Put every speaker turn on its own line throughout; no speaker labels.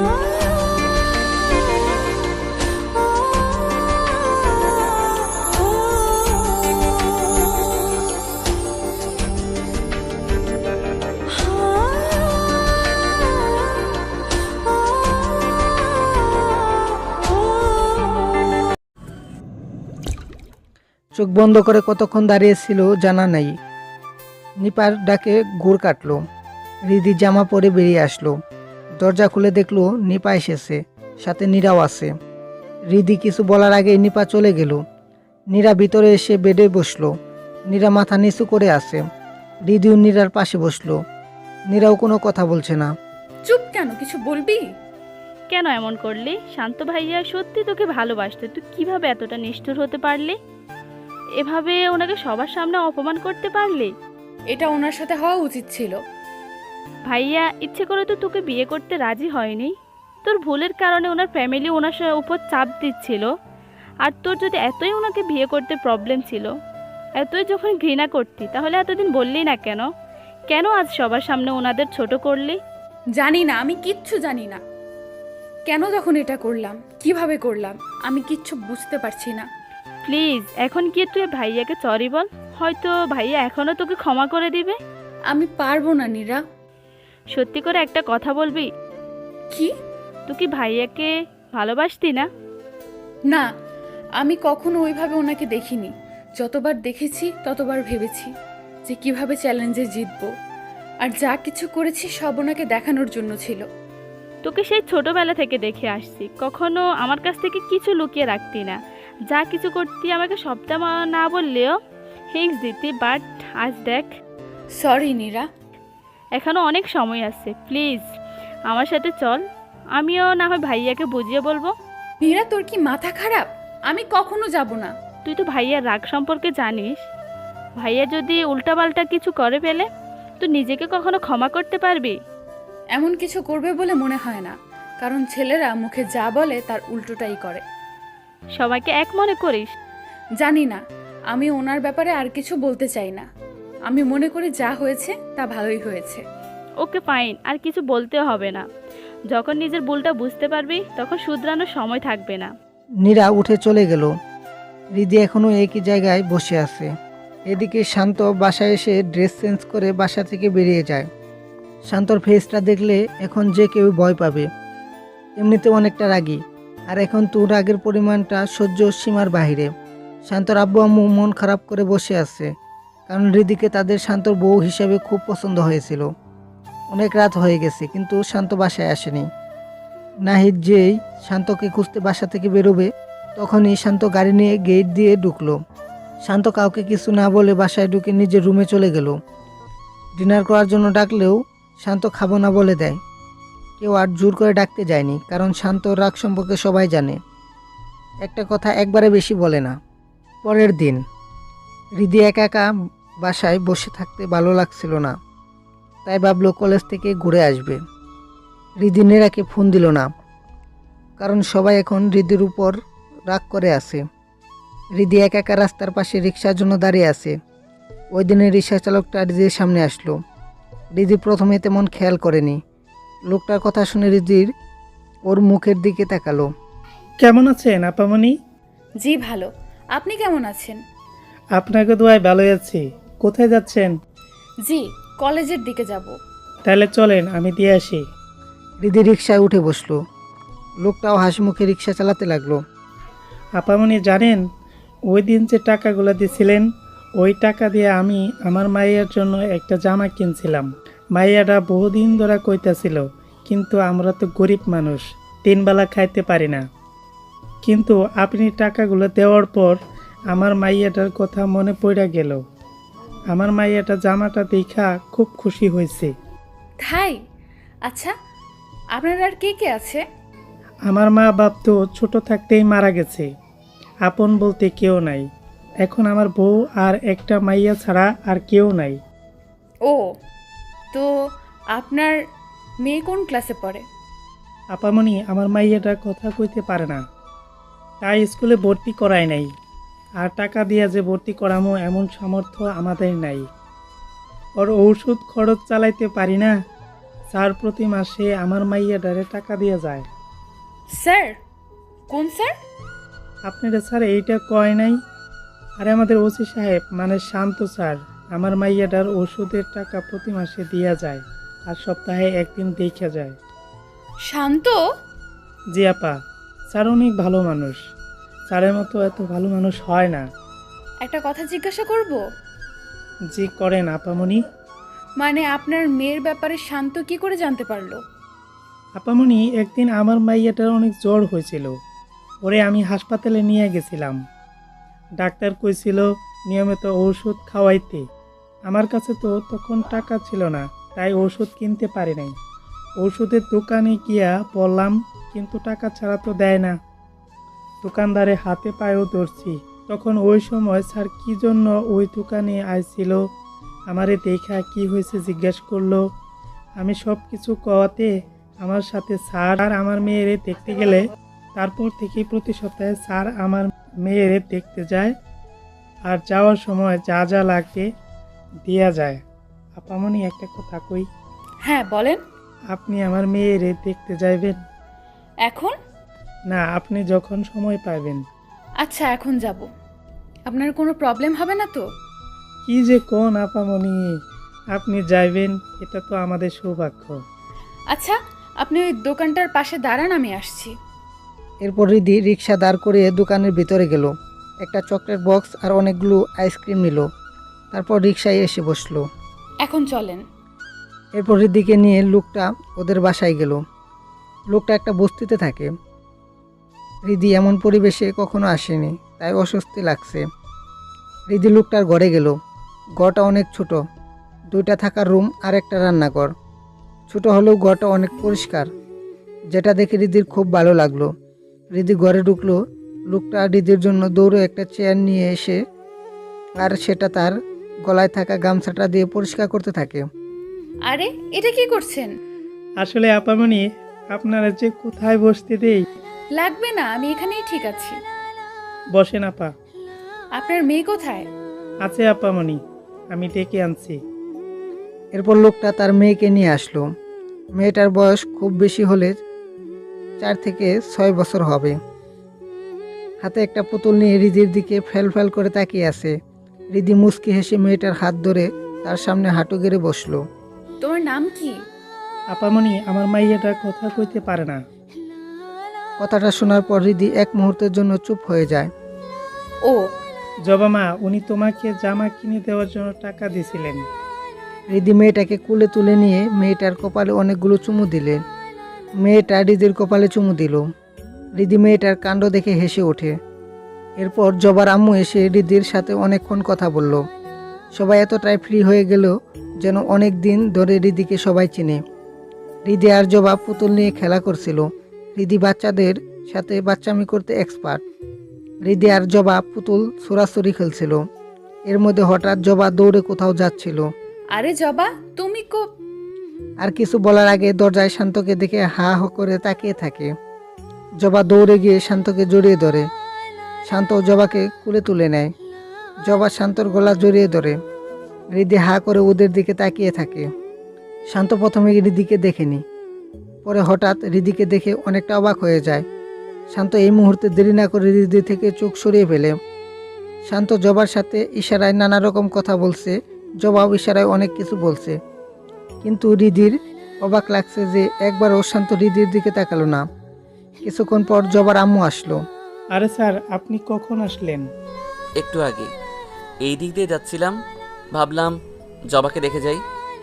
চোখ বন্ধ করে কতক্ষণ দাঁড়িয়েছিল জানা নাই। নিপার ডাকে ঘুর কাটলো। রিদি জামা পরে বেরিয়ে আসলো। দরজা খুলে দেখলো নিপা এসেছে, সাথে নীরাও আছে। রিদি কিছু বলার আগে নিপা চলে গেল। নীরা ভিতরে এসে বেডে বসলো। নীরা মাথা নিচু করে আছে। রিদিও নীরার পাশে বসলো। নীরাও কোনো কথা বলছে না।
চুপ কেন, কিছু বলবি?
কেন এমন করলি? শান্ত ভাইয়া সত্যি তোকে ভালোবাসতে, তুই কিভাবে এতটা নিষ্ঠুর হতে পারলি? এভাবে ওনাকে সবার সামনে অপমান করতে পারলি?
এটা ওনার সাথে হওয়া উচিত ছিল।
ভাইয়া ইচ্ছে করে তো তোকে বিয়ে করতে রাজি হয়নি। তোর ভুলের কারণে ওনার ফ্যামিলি ওনার উপর চাপ দিচ্ছিল। আর তোর যদি এতই ওনাকে বিয়ে করতে প্রবলেম ছিল, এতই যখন ঘৃণা করতি, তাহলে এতদিন বললি না কেন? কেন আজ সবার সামনে ওনাদের ছোট করলি?
জানি না, আমি কিচ্ছু জানি না। কেন যখন এটা করলাম, কিভাবে করলাম, আমি কিচ্ছু বুঝতে পারছি না।
প্লিজ এখন গিয়ে তুই ভাইয়াকে সরি বল, হয়তো ভাইয়া এখনও তোকে ক্ষমা করে দিবে।
আমি পারবো না নীরা।
সত্যি করে একটা কথা বলবি?
কি?
তুই কি ভাইয়াকে ভালোবাসতি না?
না, আমি কখনো ওইভাবে ওনাকে দেখিনি। যতবার দেখেছি ততবার ভেবেছি যে কিভাবে চ্যালেঞ্জে জিতবো। আর যা কিছু করেছি সব ওনাকে দেখানোর জন্য ছিল।
তোকে সেই ছোটবেলা থেকে দেখে আসছি, কখনো আমার কাছ থেকে কিছু লুকিয়ে রাখতি না। যা কিছু করতি আমাকে সবটা না বললেও হিংস দিতি, বাট আজ দেখ।
সরি নীরা।
এখনো অনেক সময় আছে, প্লিজ আমার সাথে চল, আমিও না হয় ভাইয়াকে বুঝিয়ে বলবো।
নীরা, তোর কি মাথা খারাপ? আমি কখনো যাব না।
তুই তো ভাইয়ার রাগ সম্পর্কে জানিস। ভাইয়া যদি উল্টাপাল্টা কিছু করে ফেলে, তুই নিজেকে কখনো ক্ষমা করতে পারবি?
এমন কিছু করবে বলে মনে হয় না, কারণ ছেলেরা মুখে যা বলে তার উল্টোটাই করে।
সবাইকে এক মনে করিস?
জানি না, আমি ওনার ব্যাপারে আর কিছু বলতে চাই না। আমি মনে করি যা হয়েছে তা ভালোই হয়েছে।
ওকে ফাইন, আর কিছু বলতেও হবে না। যখন নিজের ভুলটা বুঝতে পারবি তখন শুধরানোর সময় থাকবে না।
নীরা উঠে চলে গেল। রিদি এখনো একই জায়গায় বসে আছে। এদিকে শান্ত বাসায় এসে ড্রেস চেঞ্জ করে বাসা থেকে বেরিয়ে যায়। শান্তর ফেসটা দেখলে এখন যে কেউ ভয় পাবে। এমনিতে অনেকটা রাগী, আর এখন তো রাগের পরিমাণটা সহ্য সীমার বাহিরে। শান্তর আব্বু আম্মু মন খারাপ করে বসে আছে, কারণ রিদিকে তাদের শান্তর বউ হিসেবে খুব পছন্দ হয়েছিল। অনেক রাত হয়ে গেছে কিন্তু শান্ত বাসায় আসেনি। নাহিদ যেই শান্তকে খুঁজতে বাসা থেকে বেরোবে, তখনই শান্ত গাড়ি নিয়ে গেট দিয়ে ঢুকলো। শান্ত কাউকে কিছু না বলে বাসায় ঢুকে নিজের রুমে চলে গেল। ডিনার করার জন্য ডাকলেও শান্ত খাবো না বলে দেয়। কেউ আর জোর করে ডাকতে যায়নি, কারণ শান্ত রাগ সম্পর্কে সবাই জানে। একটা কথা একবারে বেশি বলে না। পরের দিন রিদি একা একা বাসায় বসে থাকতে ভালো লাগছিল না, তাই ভাবলো কলেজ থেকে ঘুরে আসবে। রিদি নীরাকে ফোন দিল না, কারণ সবাই এখন রিদির উপর রাগ করে আছে। রিদি একা একা রাস্তার পাশে রিক্সার জন্য দাঁড়িয়ে আছে। ওই দিনের রিক্সা চালকটা রিদির সামনে আসলো। রিদি প্রথমে তেমন খেয়াল করেনি। লোকটার কথা শুনে রিদির ওর মুখের দিকে তাকালো।
কেমন আছেন আপামনি?
জি ভালো, আপনি কেমন আছেন?
আপনাকে দোয়ায় ভালোই আছি। কোথায় যাচ্ছেন?
জি, কলেজের দিকে যাব।
তাহলে চলেন, আমি দিয়ে আসি।
রিদি রিক্সায় উঠে বসলো। লোকটাও হাসি মুখে রিক্সা চালাতে লাগলো।
আপামনি জানেন, ওই দিন যে টাকাগুলো দিয়েছিলেন, ওই টাকা দিয়ে আমি আমার মাইয়ার জন্য একটা জামা কিনছিলাম। মাইয়াটা বহুদিন ধরে কইতাছিল, কিন্তু আমরা তো গরিব মানুষ, 3 বেলা খাইতে পারি না। কিন্তু আপনি টাকাগুলো দেওয়ার পর আমার মাইয়াটার কথা মনে পড়ে গেল। আমার মাইয়াটা জামাটা দেখা খুব খুশি হয়েছে।
তাই? আচ্ছা, আপনার আর কে কে আছে?
আমার মা বাপ তো ছোট থাকতেই মারা গেছে, আপন বলতে কেউ নাই। এখন আমার বউ আর একটা মাইয়া ছাড়া আর কেউ নাই।
ও, তো আপনার মেয়ে কোন ক্লাসে পড়ে?
আপামনি, আমার মাইয়াটা কথা কইতে পারে না, তাই স্কুলে ভর্তি করায় নাই। আর টাকা দিয়া যে ভর্তি করামো এমন সামর্থ্য আমাদের নাই। ওর ঔষধ খরচ চালাইতে পারি না, স্যার প্রতি মাসে আমার মাইয়াটারে টাকা দিয়ে যায়।
স্যার? কোন স্যার?
আপনারা স্যার এইটা কয় নাই? আরে আমাদের ওসি সাহেব মানে শান্ত স্যার আমার মাইয়াটার ওষুধের টাকা প্রতি মাসে দিয়া যায় আর সপ্তাহে একদিন দেখা যায়।
শান্ত?
জি আপা, স্যার অনেক ভালো মানুষ। স্যারের মতো এত ভালো মানুষ হয় না।
একটা কথা জিজ্ঞাসা করব?
জি করেন আপামনি।
মানে আপনার মেয়ের ব্যাপারে শান্ত কি করে জানতে পারলো?
আপামনি, একদিন আমার মাইয়াটার অনেক জ্বর হয়েছিল, ওরে আমি হাসপাতালে নিয়ে গেছিলাম। ডাক্তার কইছিল নিয়মিত ওষুধ খাওয়াইতে। আমার কাছে তো তখন টাকা ছিল না, তাই ওষুধ কিনতে পারি নাই। ওষুধের দোকানে গিয়া বললাম, কিন্তু টাকা ছাড়া তো দেয় না। দোকানদারে হাতে পায়েও ধরছি। তখন ওই সময় স্যার কি জন্য ওই দোকানে আইছিল, আমারে দেখা কি হয়েছে জিজ্ঞেস করলো। আমি সব কিছু কওয়াতে আমার সাথে স্যার আর আমার মেয়েরে দেখতে গেলে। তারপর থেকে প্রতি সপ্তাহে স্যার আমার মেয়েরে দেখতে যায় আর যাওয়ার সময় যা যা লাগবে দেয়া যায়। আপামনি একটা কথা কই,
হ্যাঁ বলেন।
আপনি আমার মেয়েরে দেখতে যাইবেন?
এখন?
না, আপনি যখন সময় পাবেন।
আচ্ছা, এখন যাব। আপনার কোনো প্রবলেম হবে না তো?
কি যে কোন আপামনি, আপনি যাইবেন এটা তো আমাদের সৌভাগ্য।
আচ্ছা, আপনি ওই দোকানটার পাশে দাঁড়ান, আমি আসছি।
এরপর রিদি রিক্সা দাঁড় করিয়ে দোকানের ভিতরে গেল, একটা চকলেট বক্স আর অনেকগুলো আইসক্রিম নিল। তারপর রিক্সায় এসে বসলো।
এখন চলেন।
এরপর রিদিকে নিয়ে লোকটা ওদের বাসায় গেল। লোকটা একটা বস্তিতে থাকে। রিদি এমন পরিবেশে কখনো আসেনি, তাই অস্বস্তি লাগছে। রিদি লোকটার ঘরে গেল। ঘরটা অনেক ছোট, 2টা থাকার রুম আর একটা রান্নাঘর। ছোট হলেও ঘরটা অনেক পরিষ্কার, যেটা দেখে রিদির খুব ভালো লাগলো। রিদি ঘরে ঢুকলো। লোকটা রিদির জন্য দৌড়ে একটা চেয়ার নিয়ে এসে আর সেটা তার গলায় থাকা গামছাটা দিয়ে পরিষ্কার করতে থাকে।
আরে, এটা কি করছেন?
আসলে আপামনি, আপনারা যে কোথায় বসতে দেই।
লাগবে না, আমি এখানেই ঠিক আছি।
বসেন আপা।
আপনার মেয়ে কোথায়?
আছে আপামনি, আমি ডেকে আনছি।
এরপর লোকটা তার মেয়েকে নিয়ে আসলো। মেয়েটার বয়স খুব বেশি হলে 4 থেকে 6 বছর হবে। হাতে একটা পুতুল নিয়ে রিদির দিকে ফেল ফেল করে তাকিয়ে আছে। রিদি মুচকি হেসে মেয়েটার হাত ধরে তার সামনে হাঁটু গেড়ে বসলো।
তোমার নাম কি?
আপামনি, আমার মাইয়াটা কথা কইতে পারে না।
কথাটা শোনার পর রিদি এক মুহূর্তের জন্য চুপ হয়ে যায়।
ও,
জবা মা, উনি তোমাকে জামা কিনে দেওয়ার জন্য টাকা দিয়েছিলেন।
রিদি মেয়েটাকে কুলে তুলে নিয়ে মেয়েটার কপালে অনেকগুলো চুমু দিলে। মেয়েটা রিদির কপালে চুমু দিল। রিদি মেয়েটার কাণ্ড দেখে হেসে ওঠে। এরপর জবার আম্মু এসে রিদির সাথে অনেকক্ষণ কথা বলল। সবাই এতটাই ফ্রি হয়ে গেল যেন অনেক দিন ধরে রিদিকে সবাই চিনে। রিদি আর জবা পুতুল নিয়ে খেলা করছিল। রিদি বাচ্চাদের সাথে বাচ্চামি করতে এক্সপার্ট। রিদি আর জবা পুতুল ছোড়াছুড়ি খেলছিল। এর মধ্যে হঠাৎ জবা দৌড়ে কোথাও যাচ্ছিল।
আরে জবা, তুমি
আর কিছু বলার আগে দরজায় শান্তকে দেখে হা হ করে তাকিয়ে থাকে। জবা দৌড়ে গিয়ে শান্তকে জড়িয়ে ধরে। শান্ত জবাকে কুলে তুলে নেয়। জবা শান্তর গলা জড়িয়ে ধরে। রিদি হা করে ওদের দিকে তাকিয়ে থাকে। শান্ত প্রথমে রিদিকে দেখেনি, পরে হঠাৎ রিদিকে দেখে অনেকটা অবাক হয়ে যায়। শান্ত এই মুহূর্তে দেরি না করে রিদি থেকে চোখ সরিয়ে ফেলে। শান্ত জবার সাথে ইশারায় নানা রকম কথা বলছে। জবাও ইশারায় অনেক কিছু বলছে, কিন্তু রিদির অবাক লাগছে যে একবারও শান্ত রিদির দিকে তাকালো না। কিছুক্ষণ পর জবার আম্মু আসলো।
আরে স্যার, আপনি কখন আসলেন?
একটু আগে এই দিক দিয়ে যাচ্ছিলাম, ভাবলাম জবাকে দেখে যাই।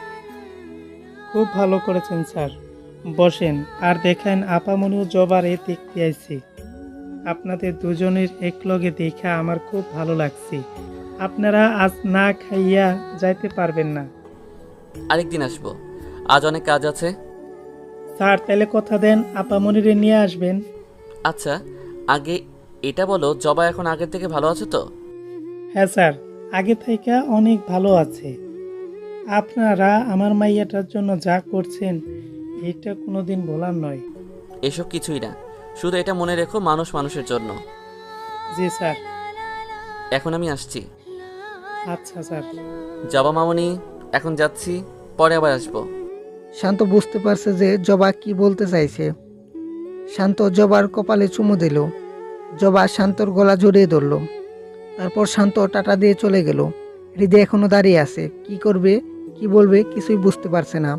খুব ভালো করেছেন স্যার, বসেন। আর দেখেন আপামনিও জবারে দেখতে আইছি। আপনাদের দুজনের একলগে দেখা আমার খুব ভালো লাগছে। আপনারা আজ না খাইয়া যাইতে পারবেন না।
আরেকদিন আসবো, আজ অনেক কাজ আছে।
স্যার তাহলে কথা দেন আপামনিরে নিয়ে আসবেন।
আচ্ছা, আগে এটা বলো, জবা এখন আগের থেকে ভালো আছে তো?
হ্যাঁ স্যার, আগে থেকে অনেক ভালো আছে। আপনারা আমার মাইয়াটার জন্য যা করছেন এটা কোনোদিন ভোলার নয়।
এসব কিছুই না, শুধু এটা মনে রেখো, মানুষ মানুষের জন্য।
জি স্যার।
এখন আমি আসছি।
আচ্ছা স্যার।
জবা মামনি, এখন যাচ্ছি, পরে আবার আসবো।
শান্ত বুঝতে পারছে যে জবা কি বলতে চাইছে। শান্ত জবার কপালে চুমু দিল। জবা শান্তর গলা জড়িয়ে ধরল। তারপর শান্ত টাটা দিয়ে চলে গেল। হৃদয় এখনো দাঁড়িয়ে আছে, কি করবে কি বলবে কিছুই বুঝতে পারছে না।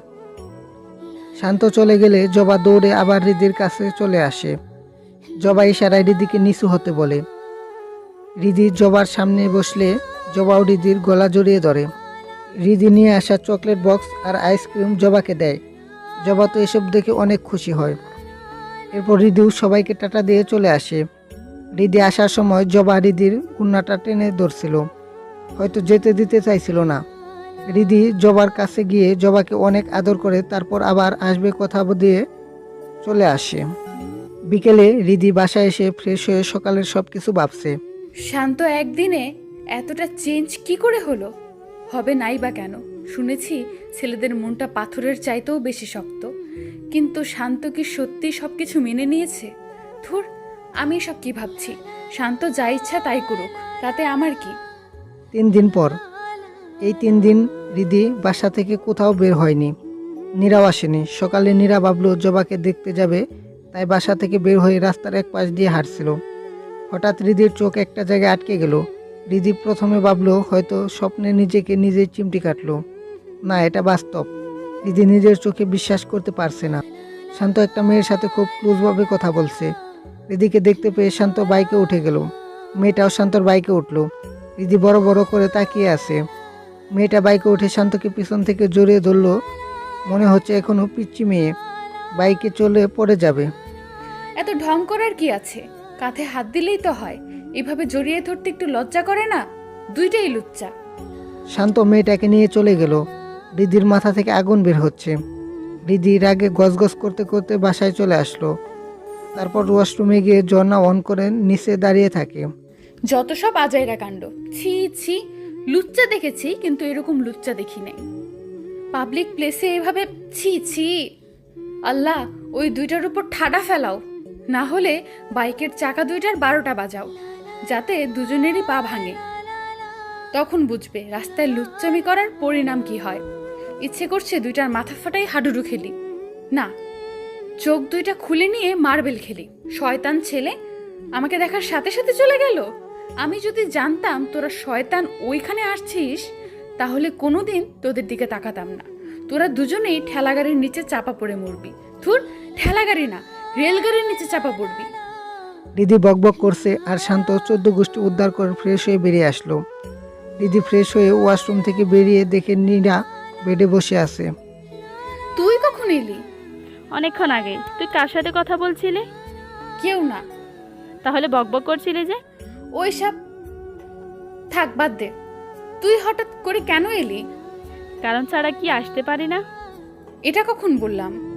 শান্ত চলে গেলে জবা দৌড়ে আবার হৃদির কাছে চলে আসে। জবা ইশারায় হৃদিকে নিচু হতে বলে। হৃদি জবার সামনে বসলে জবাও হৃদির গলা জড়িয়ে ধরে। হৃদি নিয়ে আসা চকলেট বক্স আর আইসক্রিম জবাকে দেয়। জবা তো এসব দেখে অনেক খুশি হয়। এরপর হৃদিও সবাইকে টাটা দিয়ে চলে আসে। হৃদি আসার সময় জবা হৃদির কন্যাটা টেনে ধরছিল, হয়তো যেতে দিতে চাইছিল না। হৃদি জবার কাছে গিয়ে জবাকে অনেক আদর করে তারপর আবার আসবে কথা দিয়ে চলে আসে। বিকেলে হৃদি বাসায় এসে ফ্রেশ হয়ে সকালের সব কিছু ভাবছে।
শান্ত একদিনে এতটা চেঞ্জ কি করে হলো? হবে নাই বা কেন? শুনেছি ছেলেদের মনটা পাথরের চাইতেও বেশি শক্ত। কিন্তু শান্ত কি সত্যি সব কিছু মেনে নিয়েছে? ধুর, আমি সব কি ভাবছি? শান্ত যা ইচ্ছা তাই করুক, তাতে আমার কি?
3 দিন পর। এই 3 দিন হৃদি বাসা থেকে কোথাও বের হয়নি। নীরাও আসেনি। সকালে নীরা ভাবলো জবাকে দেখতে যাবে, তাই বাসা থেকে বের হয়ে রাস্তার এক পাশ দিয়ে হাঁটছিল। হঠাৎ হৃদির চোখ একটা জায়গায় আটকে গেল। হৃদি প্রথমে ভাবলো হয়তো স্বপ্নে নিজেকে নিজেই চিমটি কাটলো। না, এটা বাস্তব। হৃদি নিজের চোখে বিশ্বাস করতে পারছে না। শান্ত একটা মেয়ের সাথে খুব ক্লোজভাবে কথা বলছে। হৃদিকে দেখতে পেয়ে শান্ত বাইকে উঠে গেল। মেয়েটাও শান্তর বাইকে উঠলো। হৃদি বড় বড় করে তাকিয়ে আছে। মেয়েটা বাইকে উঠে শান্তকে পিছন থেকে জড়িয়ে ধরলো। মনে হচ্ছে এখনো পিচ্চি মেয়ে, বাইকে চলে পড়ে যাবে।
এত ঢং করার কি আছে? কাঁধে হাত দিলেই তো হয়। এভাবে জড়িয়ে ধরতে একটু লজ্জা করে না? দুইটাই লুচ্চা।
শান্ত মেয়েটাকে নিয়ে চলে গেল। হৃদির মাথা থেকে আগুন বের হচ্ছে। হৃদি রাগে গজগজ করতে করতে বাসায় চলে আসলো। তারপর ওয়াশরুমে গিয়ে ঝর্ণা অন করে নিচে দাঁড়িয়ে থাকে।
যত সব আজাইরা কাণ্ড! ছি ছি, লুচ্চা দেখেছি কিন্তু এরকম লুচ্চা দেখি নাই। পাবলিক প্লেসে এভাবে ছি ছি! আল্লাহ, ওই দুইটার উপর ঠাডা ফেলাও, না হলে বাইকের চাকা দুইটার 12টা বাজাও, যাতে দুজনেরই পা ভাঙে। তখন বুঝবে রাস্তায় লুচ্চামি করার পরিণাম কি হয়। ইচ্ছে করছে দুইটার মাথা ফাটাই হাডুডু খেলি। না, চোখ দুইটা খুলে নিয়ে মার্বেল খেলি। শয়তান ছেলে আমাকে দেখার সাথে সাথে চলে গেল। আমি যদি জানতাম তোরা শয়তান ওইখানে আসছিস, তাহলে কোনোদিন তোদের দিকে তাকাতাম না। তোরা দুজনেই ঠেলাগাড়ির নিচে চাপা পড়ে মরবি। ধুর, ঠেলাগাড়ি না, রেলগাড়ির নিচে চাপা পড়বি।
হৃদি বকবক করছে আর শান্ত 14 গোষ্ঠী উদ্ধার করে ফ্রেশ হয়ে বেরিয়ে আসলো। হৃদি ফ্রেশ হয়ে ওয়াশরুম থেকে বেরিয়ে দেখে নীরা বেডে বসে আছে।
তুই কখন এলি?
অনেকক্ষণ আগে। তুই কার সাথে কথা বলছিলি?
কেউ না।
তাহলে বকবক করছিলি যে?
ওইসব থাক, বাদ দে। তুই হঠাৎ করে কেন এলি?
কারণ ছাড়া কি আসতে পারি না?
এটা কখন বললাম?